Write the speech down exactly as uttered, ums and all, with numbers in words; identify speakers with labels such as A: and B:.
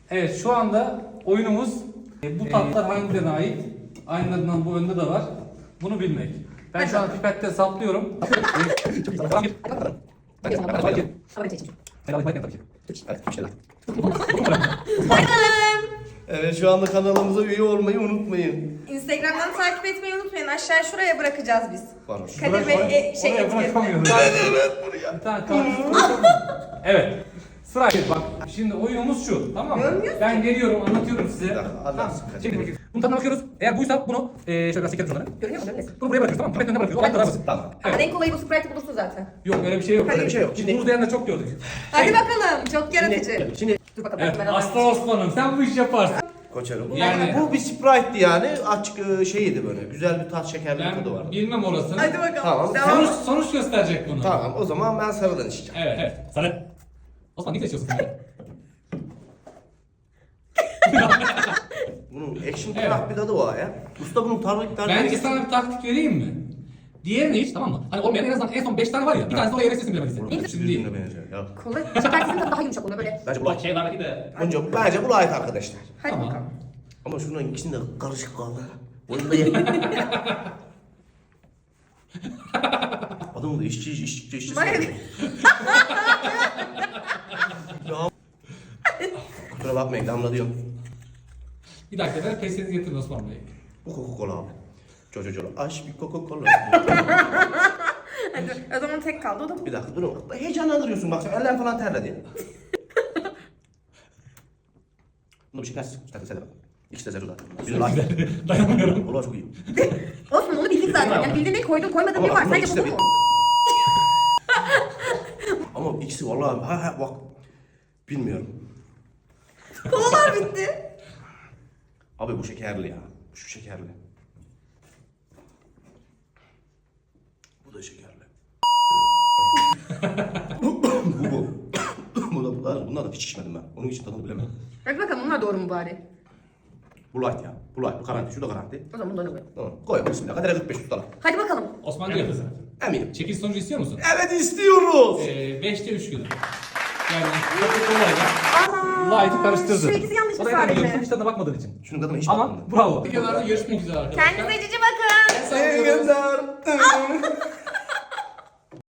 A: Evet, şu anda oyunumuz e, bu tatlar hangilerine ait? Aynılarından bu önde de var. Bunu bilmek. Ben şu an pipette saplıyorum.
B: Evet, şu anda kanalımıza üye olmayı unutmayın.
C: Instagram'dan takip etmeyi unutmayın. Aşağı şuraya bırakacağız biz.
B: Var.
C: Kadir Bey e, şey
A: Oraya
C: etiketini.
A: bırakamıyoruz. Bir tane kartuşu. Evet. Sırayla bak. Şimdi oyunumuz şu. Tamam mı?
C: Görmüyorsun
A: Ben geliyorum, anlatıyorum size.
B: Bir dakika,
A: Tamam.
B: anlatsın, Kadir
A: Şimdi
B: Bey.
A: bunu tadına bakıyoruz. Eğer buysa bunu e, şöyle biraz çekelim şunları.
C: Görünüyor mu? Görünüyor.
A: Bunu buraya bırakıyoruz, tamam mı? Pipetin önüne bırakıyoruz. Olay kadar basit.
B: Tamam.
C: Ama en kolayı bu Sprite'ı bulursun zaten.
A: Yok, öyle bir şey yok.
B: Öyle bir şey yok.
A: Şimdi
B: Şimdi-
A: bunu diyenler çok gördük.
C: Hadi bakalım. Çok yaratıcı.
B: Şimdi, şimdi
C: Dur bakalım.
A: Evet,
C: ben
A: Aslan Osman'ım sen bu işi yaparsın.
B: Koçarım.
A: Yani-
B: Bu bir Sprite'di yani. Açık e, şeydi böyle. Güzel bir tat, şekerli bir tadı
A: Ben
B: vardı.
A: bilmem orasını.
C: Hadi bakalım.
B: Tamam.
C: Devam.
A: Sonuç, sonuç gösterecek bunu.
B: Tamam, o zaman ben sarıdan içeceğim.
A: Evet, evet. Sarı. Osman ne seçiyorsun sen?
B: Bunun action
A: Evet.
B: evet. bir tadı var ya. Usta bunun tarih tarih.
A: Bence sana bir taktik vereyim mi? Diğerini hiç, tamam mı? Hani olmayan en azından en son beş tane var ya, bir tanesi oraya yerleştirsin bilemediyse. Şimdi değil.
B: Ya.
C: Kola. Şekerlisinin tadı daha yumuşak oluyor böyle.
B: Bence bu
A: Bak şey var ki de.
B: Önce bence bu ait arkadaşlar.
C: Hadi
A: Tamam.
C: bakalım.
B: Ama şunların ikisinde karışık kaldı. Oyunda ye. Adam da işçi işçi işçi.
C: Vay.
B: Ya. Kusura bakmayın, damlatıyorum.
A: Bir dakika ver, pesenizi getirin Osman Bey.
B: Bu Coca-Cola abi. Çocuğu aç bir Coca-Cola.
C: Hadi. O zaman tek kaldı. O da bu.
B: Bir dakika durun. Heyecanlandırıyorsun bak, sen eller falan terledi. Bunu bir şekersiz. İşte sen de bak. İkisi de zero zaten. Bir like.
A: Dayanamıyorum.
B: Ola çok iyi.
C: Osman onu bildik zaten. Yani bildiğin ne koydun koymadın bir
B: Ama
C: var.
B: bunun
C: Sence
B: ikisi de
C: bu
B: bir-
C: mu?
B: Ama ikisi vallahi ha ha bak. Bilmiyorum.
C: Kolalar bitti.
B: Abi bu şekerli ya. Şu şekerli. Bu da şekerli. bu bu. bu da bu da bunlar da hiç içmedim ben. Onun için tadını bilemem.
C: Hadi bakalım bunlar doğru mu bari?
B: Bu light ya. Bu light. Bu garanti. Şu da garanti.
C: O zaman bunları koy.
B: Tamam. Koy bismillah. Kadere kırk beş tutalım.
C: Hadi bakalım.
A: Osman diyor kızım.
B: Eminim.
A: Çekil sonucu istiyor musun?
B: Evet istiyoruz.
A: Ee, beşte üç gün. Yani Coca-Cola'yla
C: Ana.
A: Light'ı karıştırdı.
C: Şu ikisi yanlış
A: O
C: mı
A: da yapamıyorsun,
C: sadece?
A: hiç tadına bakmadığın için.
B: Şunun tadına hiç
A: Ama
B: bakmadım.
A: bravo. Videolarda görüşmek üzere arkadaşlar.
C: Kendinize cici bakın.
B: İyi günler.